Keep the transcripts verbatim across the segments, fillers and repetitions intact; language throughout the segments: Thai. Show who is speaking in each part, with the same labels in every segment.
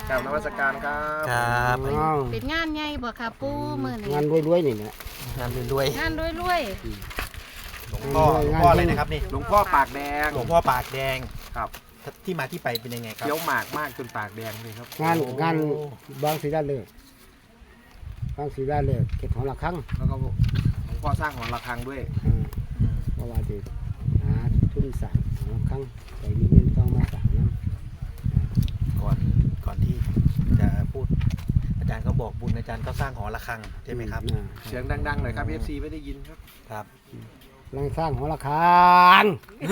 Speaker 1: กราบนมัสการครับ
Speaker 2: ครับ
Speaker 3: เป็นงานใหญ่บ่ค่ะปู่มื้อนี้
Speaker 4: งานรวยๆนี่นะ
Speaker 2: งานรวย
Speaker 3: งานรวย
Speaker 2: ๆหลวงพ่อหลวงพ่ออะไรนะครับนี่
Speaker 1: หลวงพ่อปากแดง
Speaker 2: หลวงพ่อปากแดง
Speaker 1: ครับ
Speaker 2: ที่มาที่ไปเป็นยังไงครับ
Speaker 1: เคี้ยวหมากมากจนปากแดงเลยครับ
Speaker 4: งาน
Speaker 2: โอ้
Speaker 4: งานบางสีได้เลิกบางสีได้เลิกเก็บของละครั้ง
Speaker 1: แล้วก็หลวงพ่อสร้างหอระฆังด้วย
Speaker 4: อ่า
Speaker 2: อืม
Speaker 4: เพราะว่าจะหาทุนสั่งของละครั้งไปมีเงินต้องมาสั่งน้
Speaker 2: ก่อนก่อนที่จะพูดอาจารย์ก็บอกบุญอาจารย์ก็สร้างหอระฆัง
Speaker 4: ำ
Speaker 2: ใช่ไหมครับ
Speaker 4: อ่า
Speaker 1: เสียงดังๆหน่อยครับ เอฟ ซี ไม่ได้ยินครับ
Speaker 2: ครับ
Speaker 4: กำลังสร้างของละครัง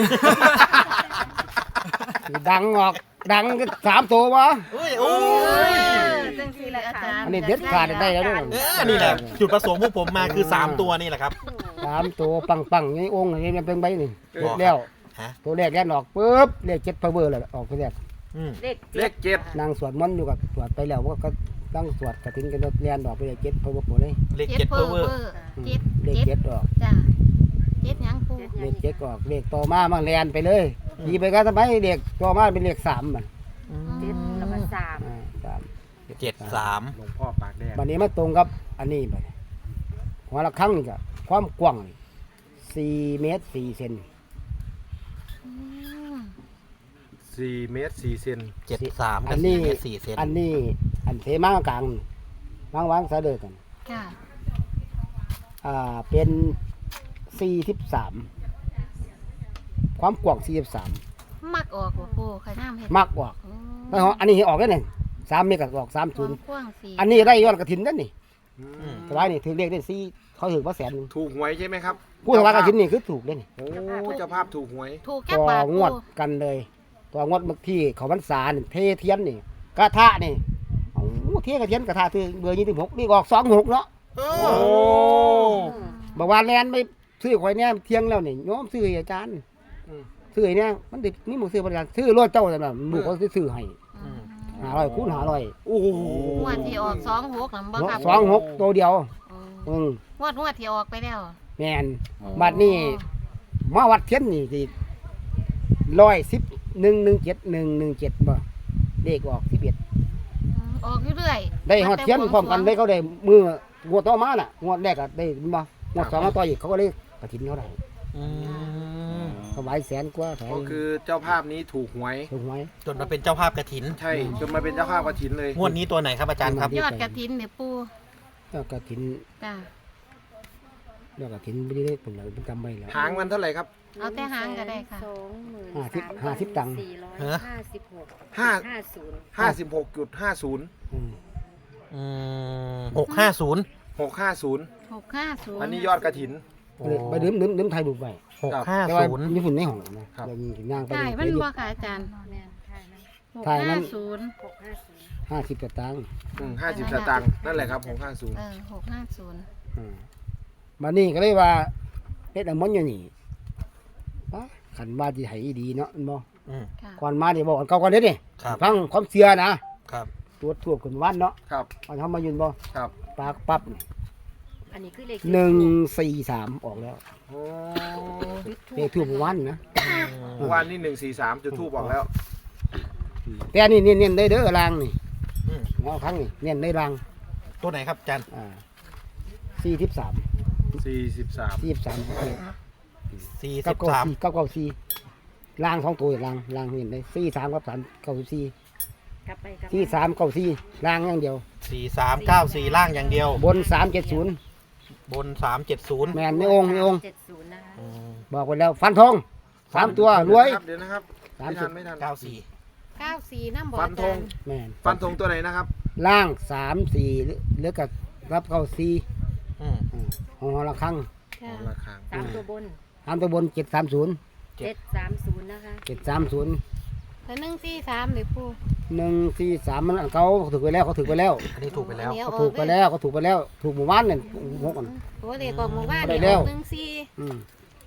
Speaker 4: ดังออกดังสามตัววะ
Speaker 2: โอ้ย
Speaker 3: ๆ
Speaker 2: โอ้
Speaker 3: เอ้
Speaker 2: ย
Speaker 3: ยจังซี่แหละอาจารย์
Speaker 4: อันนี้เด็ดขาดได้แล้วด้วย
Speaker 2: เออนี่แหละจุดประสงค์พวกผมมาคือสามตัวนี่แหละครับ
Speaker 4: สามตัวปังปังๆนี่องค์นี่มันเป็นใบนี่
Speaker 2: บอก
Speaker 4: แล้ว
Speaker 2: ฮะ
Speaker 4: ตัวแรกแล่นออกปุ๊บเลขเจ็ดพาวเวอร์เลยออกตัวแรก
Speaker 2: อืม
Speaker 3: เลข
Speaker 1: เลขเจ็ด
Speaker 4: นางสวดมนต์อยู่กับสวดไปแล้วก็ก็ตั้งสวดกระถิ่นกันแล่นออกไปเลยเจ็ดพาวเวอร์หมดเลย
Speaker 2: เลข
Speaker 3: เจ็
Speaker 2: เจ็
Speaker 3: ด
Speaker 2: ด
Speaker 3: เพ
Speaker 2: เพ
Speaker 3: อ
Speaker 2: อ
Speaker 3: ร์
Speaker 2: ร์เว
Speaker 3: เว
Speaker 2: อ
Speaker 3: อ
Speaker 2: ร์
Speaker 3: ร์
Speaker 4: อืม
Speaker 3: เจ็ด
Speaker 4: เลข
Speaker 3: เจ็ด
Speaker 4: เจ็ดออก
Speaker 3: จ้ะเจ็ดหยังปู่
Speaker 4: เลขเจ็ดออกเลขต่อมามาแลนไปเลยยีไปก็ทำไมเลขต่อมาเป็นเลขสามมัน
Speaker 3: เจ็ดแล้วก็สาม
Speaker 4: อ่าสาม
Speaker 2: เจ็ดสาม
Speaker 1: หลวงพ่อปากแดง
Speaker 4: วันนี้มาตรงกับอันนี้ไปหัวละครั้งนี่ก็ความกว้างนี่สี่เมตรสี่เซน
Speaker 3: อืม
Speaker 1: สี่เมตรสี่เซน
Speaker 2: เจ็ดสาม
Speaker 4: อั
Speaker 2: กับ
Speaker 4: น
Speaker 2: สี่
Speaker 4: นี้
Speaker 2: เมตรสี่เซน
Speaker 4: อันนี้อันเทมากลางวางวางสะเดือกัน
Speaker 3: ค่ะ
Speaker 4: อ่าเป็นสี่สิบสามความกว้างสี่สิบสาม
Speaker 3: มักออกบ่ปู่ขน้ำเฮ็ด
Speaker 4: มากกว่า
Speaker 3: โอ้
Speaker 4: แล้วอันนี้ให้ออกได้หนึ่งสามเมตรก็ออกสาม
Speaker 3: ค
Speaker 4: ศู
Speaker 3: วาน ม
Speaker 4: ย์
Speaker 3: กว้างสี่
Speaker 4: อันนี้ได้ยอดกระถินนั่นนี่
Speaker 1: อืม
Speaker 4: สบายนี่ถือเลขได้สี่เขาถือว่าแสนหนึ่ง
Speaker 1: ถูกหวยใช่ไหมครับ
Speaker 4: ผู้ถวายกระถินนี่คือถูกเลยนี่
Speaker 1: โอ้เจ้าภาพถูกหวย
Speaker 3: ถูกแค่
Speaker 4: ตัว
Speaker 3: บาท
Speaker 4: งวด
Speaker 3: ปู่
Speaker 4: กันเลยตัวงวดเมื่อที่เขาพรรษานี่เทเทียนนี่กระทะนี่โอ้เทียนกระเทียนกระทะคือเบอร์ยี่สิบหกนี่ออกสองหกเนาะ
Speaker 2: โอ้
Speaker 1: โอ้
Speaker 4: บอกว่าแลนไม่ซื้อข่อยเนี่ยเที่ยงแล้วนี่โยมซื้อให้อาจารย์
Speaker 1: อืม
Speaker 4: ซื้อให้เนี่ยมันติดนี่หมูซื้อบริการซื้อรถเจ้าแต่แบบลูกเขาซื้อให้
Speaker 3: อืม
Speaker 4: หาร้อยคูณหาร้อย
Speaker 1: โอ้โห
Speaker 3: งวดที่ออกสองหกน่ะบ่ครับ
Speaker 4: สองหกตัวเดียว
Speaker 3: อืม
Speaker 4: อืม
Speaker 3: งวดงวดที่ออกไปแล้ว
Speaker 4: แมนบัดนี้มาวัดเทียนนี่สิร้อยสิบหนึ่งหนึ่งเจ็ดหนึ่งหนึ่งเจ็ดบ่เลขออกสิบเอ็ด
Speaker 3: อืมออกอยู่เรื่อย
Speaker 4: ได้หอดเทียนพร้อมกันได้เขาได้มืองวดต่อมาน่ะงวดแรกก็ได้บ่งวดสองมาต่ออีกเขาก็เลยกระถินเขาได้
Speaker 2: อืม
Speaker 4: ถวายแสนกว่าถวาย
Speaker 1: ก็คือเจ้าภาพนี้ถูกหวย
Speaker 4: ถูกไหม
Speaker 2: จนมาเป็นเจ้าภาพกระถิน
Speaker 1: ใช่จนมาเป็นเจ้าภาพกฐินเลย
Speaker 2: งวดนี้ตัวไหนครับอาจารย์ครับ
Speaker 3: ยอดกระถินเนี่ยปู่
Speaker 4: แล้วกระถิน
Speaker 3: จ้ะ
Speaker 4: แล้วกระถินไม่ได้เป็นไรเป็นจำไม่แล้ว
Speaker 1: หางมันเท่าไหร่ครับ
Speaker 3: เอาแต่หางก็ได้ค่ะ
Speaker 5: สองหมื่น
Speaker 4: ห้าสิบห้าสิบตังค์
Speaker 5: สี่ร้อย
Speaker 2: ฮะ
Speaker 5: ห้าสิบหก
Speaker 1: ห้า
Speaker 5: ห้าศูนย์
Speaker 1: ห้าสิบหกจุดห้าศูนย์
Speaker 4: อืม
Speaker 2: อืมหกห้าศูนย์
Speaker 1: หกห้าศูนย์
Speaker 3: หกห้าศูนย์
Speaker 1: อันนี้ยอดกฐิน
Speaker 4: ไปดื่มดื่มดื่มไทยบุกไป
Speaker 2: หกห้า
Speaker 4: แต่ว่า
Speaker 2: ศูนย์
Speaker 4: ญี่ปุ่นในห้องนะครับ เดี๋ยวมีย่างไป
Speaker 3: ใช่มันบ่ค่ะอาจารย์
Speaker 5: แม่นค่ะนะ
Speaker 3: หก
Speaker 4: ถ่ายนั้
Speaker 3: ห้าน ศูนย์
Speaker 5: หกห้าศูนย์
Speaker 4: ห้าสิบตังค์
Speaker 1: ห้าสิบสตางค์นั่นแหละครับหกห้าศูนย์
Speaker 3: เออหกห้าศูนย์
Speaker 4: อืมมานี่ก็เลยว่าเฮ็ดอันมันอยู่นี่ปะขันว่าที่ให้ดีเนาะอันบ่
Speaker 2: อืม
Speaker 3: ค่ะ
Speaker 4: ก่อนมานี่บอกอันเก่าก่อนเด้อนี่
Speaker 2: ครับ
Speaker 4: ฟังความเชื่อนะครับ ตรวจทั่วขึ้นวันเนาะ
Speaker 1: ครับ
Speaker 4: มันทำมายืนบ่
Speaker 1: ครับ
Speaker 4: ปากปั๊บนี่
Speaker 5: อันนี้คือเลข
Speaker 4: หนึ่งสี่สามออกแล้ว
Speaker 1: โอ้
Speaker 4: เลขทั่ววันนะ
Speaker 1: เมื่อวานนี่หนึ่งสี่สามจุดทูบบอกแล้ว
Speaker 4: แต่อันนี่เน้นๆได้เด้อรางนี่
Speaker 2: อืม
Speaker 4: หัวครั้งนี่เน้นได้ราง
Speaker 2: ตัวไหนครับอาจารย์
Speaker 4: อ่าสี่สิบสาม
Speaker 1: สี่สิบสาม
Speaker 4: สี่สิบสาม
Speaker 2: สี่
Speaker 4: เก้า
Speaker 2: สิบ
Speaker 4: เก้า
Speaker 2: สาม
Speaker 4: สี่เก้าเก้าสี่ล่างสองตัวล่างล่างเห็นได้สี่สามกับสามเก้าสี่
Speaker 5: กลับไปกลับ
Speaker 4: สี่สามเก้าสี่ล่างอย่างเดียว
Speaker 2: สี่สามเก้าสี่ล่างอย่างเดียว
Speaker 4: บนสามเจ็ดศูนย์
Speaker 2: บนสามเจ็ดศูนย์
Speaker 4: แมนในองค์ในองค์
Speaker 5: เจ็ดศูนย์นะคะ
Speaker 4: บอกไว้แล้วฟันทองสามตัวรวย
Speaker 1: เดี๋ยวนะครับ
Speaker 4: สาม
Speaker 1: ไม่
Speaker 4: สิ
Speaker 1: ทั
Speaker 4: บ
Speaker 1: นไม่ทัน
Speaker 2: เก้าสี่
Speaker 3: เก้าสี่น้ำบ่
Speaker 1: ฟั
Speaker 3: อาน
Speaker 1: ธ
Speaker 3: จาง รย์
Speaker 4: แมน
Speaker 1: ฟันธงตัวไหนนะครับ
Speaker 4: ล่างสามสี่หรือหรือกับรับเก้าสี่
Speaker 2: อืม
Speaker 4: อ่าของหอละครั้ง
Speaker 3: ค่ะ
Speaker 1: ราคา
Speaker 5: สามตัวบน
Speaker 4: สามตัวบนเจ็ดสามศูนย์
Speaker 5: เจ็ดสามศูนย์นะคะ
Speaker 4: เจ็ดสามศูนย์
Speaker 3: แล้วหนึ่งสี่สามเลยปู่
Speaker 4: หนึ่งสี่สามมันเขาถูกไปแล้วเขาถูกไปแล้ว
Speaker 2: อันนี้ถูกไปแล้ว
Speaker 3: เดี๋ย
Speaker 4: เขา
Speaker 3: ออ
Speaker 4: ถูกไปแล้วเขาถูกไปแล้วถูกหมู่บ้านเนี่ยหกอัน
Speaker 3: โอ้เด็กออกหมู่บ้าน
Speaker 4: ได้
Speaker 3: นี่
Speaker 4: แล้ว
Speaker 3: ออกหนึ่งสี่
Speaker 4: อืม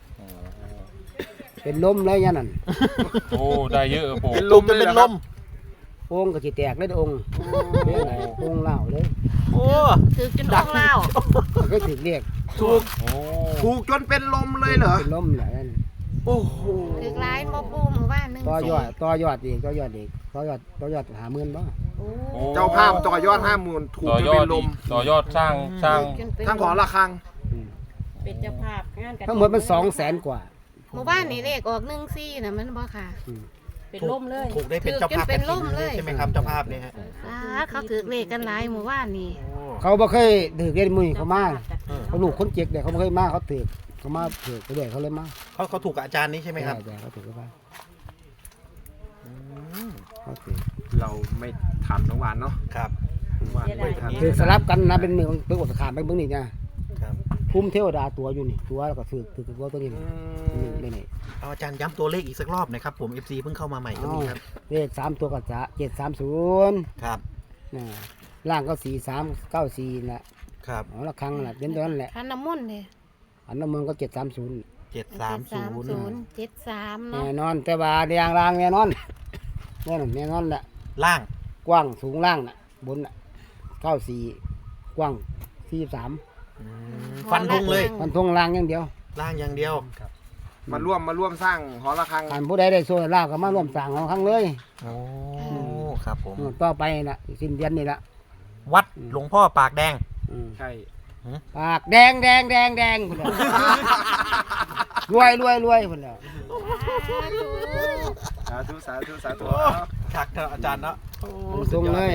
Speaker 4: เป็นลมเลยยันนั่น
Speaker 6: โอ้ ได้เยอะโป
Speaker 1: เป็นล
Speaker 2: ล
Speaker 1: ม
Speaker 2: ม
Speaker 1: เล
Speaker 2: จะ
Speaker 1: ย
Speaker 2: เป็น
Speaker 1: เหรอ
Speaker 2: ล
Speaker 1: ครับ
Speaker 2: ม
Speaker 4: องค์ก็จิแตกเลยเด้อองค์องค์เล่าเลย
Speaker 2: โอ้
Speaker 3: ถือจนออกเล่า
Speaker 4: มันก็ถึกเรียก
Speaker 1: ถูก
Speaker 6: โอ้
Speaker 1: ถูกจนเป็นลมเลยเหรอ
Speaker 4: เป็นลมแหละนั่น
Speaker 1: โอ้โห
Speaker 3: ถือร้ายบ่ปู่หมู่บ้านหนึ่ง
Speaker 4: ต่อย
Speaker 3: สี่
Speaker 4: อดต่อยอดอีกต่อยอดอีกต่อยอดต่อยอดหาหมื่นบ่
Speaker 1: โ
Speaker 5: โอ้
Speaker 6: โอ้
Speaker 1: เจ้าภาพต่อยอดห้าหมื่นถูก
Speaker 6: ต่อ
Speaker 1: จน
Speaker 6: ยอ
Speaker 1: เป็
Speaker 6: ด
Speaker 1: นล
Speaker 6: อี
Speaker 1: ม
Speaker 6: กต่อยอดสร้างสร้าง
Speaker 3: จนเป็น
Speaker 1: ทั้งหอระฆัง
Speaker 5: เป็นเจ้าภาพงานกัน
Speaker 4: ทั้งหมดมันสองแสนกว่า
Speaker 3: หมู่บ้านนี่เลขออกหนึ่งซี่นะมันบ่ค่ะ
Speaker 5: เป็นล่มเลย
Speaker 2: ถูกได้เป็นเจ้าภาพ
Speaker 3: ถูกจนเป็นร่มเลย
Speaker 2: ใช่ไหมครับเจ้าภาพเนี่ยฮะ
Speaker 3: อ่าเขาถือเลขกันหลายหมู่บ้านนี่
Speaker 2: โอ้
Speaker 4: เขาบ่เคยถือเรียนมือเขามา
Speaker 2: เออ
Speaker 4: เขาลูกคนเจ็กเด็กเขาบ่เคยมาเขาถือเขามาถือไปด้วยเขาเลยมา
Speaker 2: เขาเขาถูกกับอาจารย์นี้ใช่ไหมครับ
Speaker 4: ใช่เขาถือเขามา
Speaker 2: อืม
Speaker 4: เขาถือ
Speaker 1: เราไม่ทันน้องหวานเนาะ
Speaker 2: ครับ
Speaker 1: หวานไม่ทัน
Speaker 4: ถือสลับกันนะเป็นมือเป็นอดขามไปเบิ่งนี่นะครับ คุ้มเทวดาตัวอยู่นี่ตัวแล้วก็ถือถือตัวตัวนี้
Speaker 1: อื
Speaker 4: นี่
Speaker 1: ม
Speaker 4: นี่นี่
Speaker 2: เอาอาจารย์ย้ำตัวเลขอีกสักรอบหนะครับผม เอฟ ซี เพิ่งเข้ามาใหม่ก็มีครับ
Speaker 4: เลขสามตัวก็จะเจ็ดสามศูนย์
Speaker 2: ครับ
Speaker 4: นะล่างก็สี่สามเก้าสี่แหละ
Speaker 2: ครับ
Speaker 4: เอาละครั้งแหละเป็นตัวนั้นแหละ
Speaker 3: คันน้ำมนต์เนี่ย
Speaker 4: อันนั้นมันก็เจ็ดสามศูนย์
Speaker 2: เจ็ดสามศูนย์
Speaker 3: ศูนย์เจ็ดสาม
Speaker 4: แน่
Speaker 3: เนาะ
Speaker 4: นอนแต่ว่าเรียงรางแน่นอนแน่นอนแน่นอนแหละ
Speaker 2: ล่าง
Speaker 4: กว้างสูงล่างน่ะบนน่ะเก้าสี่กว้างสี่สาม
Speaker 2: อืมฟันธงเลย
Speaker 4: มันทงล่างอย่างเดียว
Speaker 2: ล่างอย่างเดียว
Speaker 1: มาร่วมมาร่วมสร้างหอระฆัง
Speaker 4: การผู้ใดได้โซ่ลาวก็มาร่วมสร้างของครั้งเลย
Speaker 2: โอ้ ครับผม
Speaker 4: อืมต่อไปน่ะสิ้นเดือนนี่ละ
Speaker 2: วัดหลวงพ่อปากแดง
Speaker 4: อืม
Speaker 1: ใช่
Speaker 4: ปากแดงแดงแดงแดงพุ่นแหละรวยรวยรวยพุ่นแหล้ว
Speaker 1: สาธุสาธุสาธุ
Speaker 2: โอ้ ชักเถอะอาจารย์เนาะโอ้
Speaker 4: ตรงเลย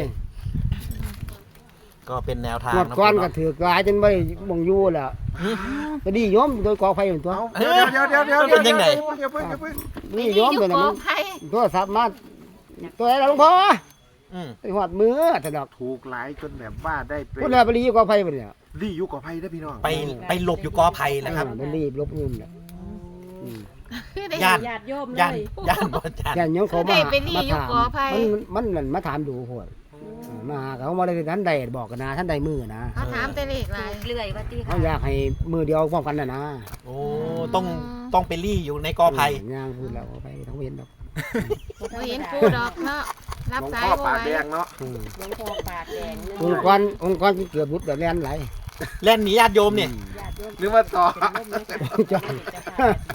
Speaker 2: ก็เป็นแนวทาง
Speaker 4: งวด
Speaker 2: นะ
Speaker 4: ก้อน
Speaker 2: ผม
Speaker 4: ก็
Speaker 2: เนาะ
Speaker 4: ถือกหลายจนไม่บ่งอยู่แล้วก็ดีโยมโดยกอไฟเป็นตัว
Speaker 1: เอาเดี๋ยวเดี๋ยวเดี๋ยวเดี๋ยวเดี๋ยวเดี๋ยวเดี๋ยวเพิ่งเดี๋ยวเพิ่ง
Speaker 4: นี่โยม
Speaker 3: อยู่
Speaker 4: ตัวนั้น
Speaker 3: กอ
Speaker 4: มัน
Speaker 3: ไผ่
Speaker 4: โทรศัพท์มาตัวไหนล่ะหลวงพ่อ
Speaker 2: อืม
Speaker 4: ไอ้หอดมือแต่ดอก
Speaker 1: ถูกหลายจนแบบว่าได้ไป
Speaker 4: พุ่นน่ะไปรีอยู่กอไฟพุ่นเนี่ย
Speaker 1: รีอยู่กับไพ่ได้อพี่น้อง
Speaker 2: ไปไปหลบอยู่กอไผ่นะครับ
Speaker 4: อ่าเป็นรีบลบเงินเนี่ยอืม
Speaker 3: คือได้
Speaker 2: ญาติ
Speaker 5: ญาติโยมเล
Speaker 2: ย่าน
Speaker 5: ย
Speaker 2: ย่านบ่อาจารย์
Speaker 4: แค่ยงเขามา
Speaker 3: ได้ไปรี
Speaker 4: มา
Speaker 3: อยู่
Speaker 4: ถาม
Speaker 3: กอไผ่
Speaker 4: มันมันนั่นมาถามดูโหดมาหาเขามาได้ท่านใดบอกกันนะท่านใดมือนะ
Speaker 3: เขาถามแต่เลขหลาย
Speaker 5: เลื่อยว่าตี
Speaker 4: เขาอยากให้มือเดียวพร้อมกันนะนะ
Speaker 2: โอ้ ต้องต้องไปรี่อยู่ในกอไผ่
Speaker 4: ย่างพูดแล้วเอาไปทั้งเว้นดอก
Speaker 3: บ่เห็นปูดอกเนาะรับ
Speaker 1: หลวง
Speaker 3: สา
Speaker 1: พ่
Speaker 3: ย
Speaker 1: อ
Speaker 3: บ่
Speaker 1: ปาก
Speaker 3: ไหว
Speaker 1: แดงเนาะ
Speaker 4: อืม
Speaker 5: หลวงพ่อปากแดงนึก
Speaker 4: องค์กรองค์กรเกือบรุดแบบแล่นไหล
Speaker 2: เล่นหนีญาติโยมเนี่ย
Speaker 5: ญาติโยม
Speaker 1: นึกว่าต่อ
Speaker 5: เป็นล่มเลย
Speaker 4: จ้ะ
Speaker 5: เป็นเจ้าภาพ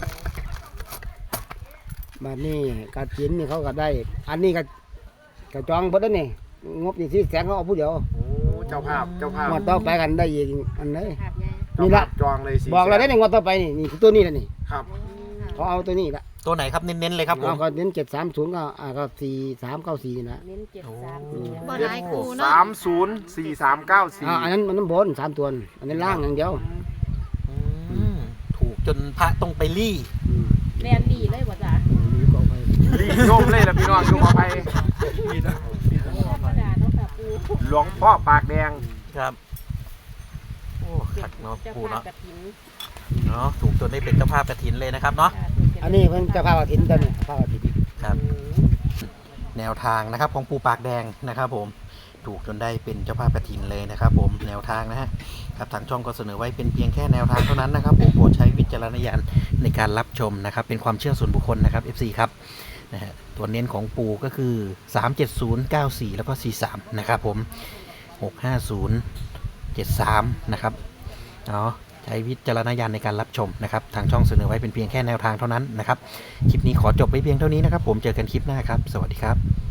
Speaker 4: มานี่กระถินนี่เขาก็ได้ อันนี้ก็กระจองเพิ่นแล้วนี่งบนี่ที่แสนเขาเอาผู้เดียว
Speaker 1: โอ้เจ้าภาพเจ้าภาพ
Speaker 4: งวดต่อไปกันได้อีกอันนี้
Speaker 5: ภาพใหญ่
Speaker 4: นี่ละ
Speaker 1: จองเลยสิ
Speaker 4: บอกเราได้ในงวดต่อไปนี่นี่คือตัวนี้แหละนี่
Speaker 1: ครับ
Speaker 4: เขาเอาตัวนี้ละ
Speaker 2: ตัวไหนครับเน้นๆเลยครับผม
Speaker 4: เอาก็เน้นเจ็ดสามศูนย์ก็อ่าก็สี่สามเก้าสี่นะ
Speaker 5: เน้นเจ็ดสาม
Speaker 3: บ่หลายคูเนาะ
Speaker 1: สามศูนย์สี่สามเก้าสี่
Speaker 4: อ่าอันนั้นมันน้ำบนสามตัวนี่อันนี้ล่างอย่างเดียว
Speaker 2: อืมถูกจนพระต้องไปรี่
Speaker 4: อืม
Speaker 5: แลนดีเลยว่าจ้ะ
Speaker 4: มีกองไฟ
Speaker 1: รีบโยมเลยละพี่น้องอยู่กับไพ่
Speaker 5: ธรรมดาเนาะค่ะปู
Speaker 1: หลวงพ่อปากแดง
Speaker 2: ครับ โอ้ขัดเนาะ
Speaker 5: เจ้า
Speaker 2: ปู
Speaker 5: ภาพ
Speaker 2: เนาะ
Speaker 5: กฐิน
Speaker 2: เนาะถูกจนได้เป็นเจ้าภาพกฐินเลยนะครับเนาะ
Speaker 5: ค่ะถูกเป็
Speaker 4: อันนี้เพิ่นเจะพากฐินตัวนี้พากฐิน
Speaker 2: ครับ แนวทางนะครับของปูปากแดงนะครับผม ถูกจนได้เป็นเจ้าภาพกฐินเลยนะครับผม แนวทางนะฮะ ครับทางช่องก็เสนอไว้เป็นเพียงแค่แนวทางเท่านั้นนะครับผมโปรดใช้วิจารณญาณในการรับชมนะครับ เป็นความเชื่อส่วนบุคคลนะครับ เอฟ ซี ครับนะฮะตัวเน้นของปูก็คือสามเจ็ดศูนย์ เก้าสี่ แล้วก็สี่สามนะครับผมหกห้าศูนย์ เจ็ดสามนะครับเนาะใช้วิจารณญาณในการรับชมนะครับทางช่องเสนอไว้เป็นเพียงแค่แนวทางเท่านั้นนะครับคลิปนี้ขอจบไว้เพียงเท่านี้นะครับผมเจอกันคลิปหน้าครับสวัสดีครับ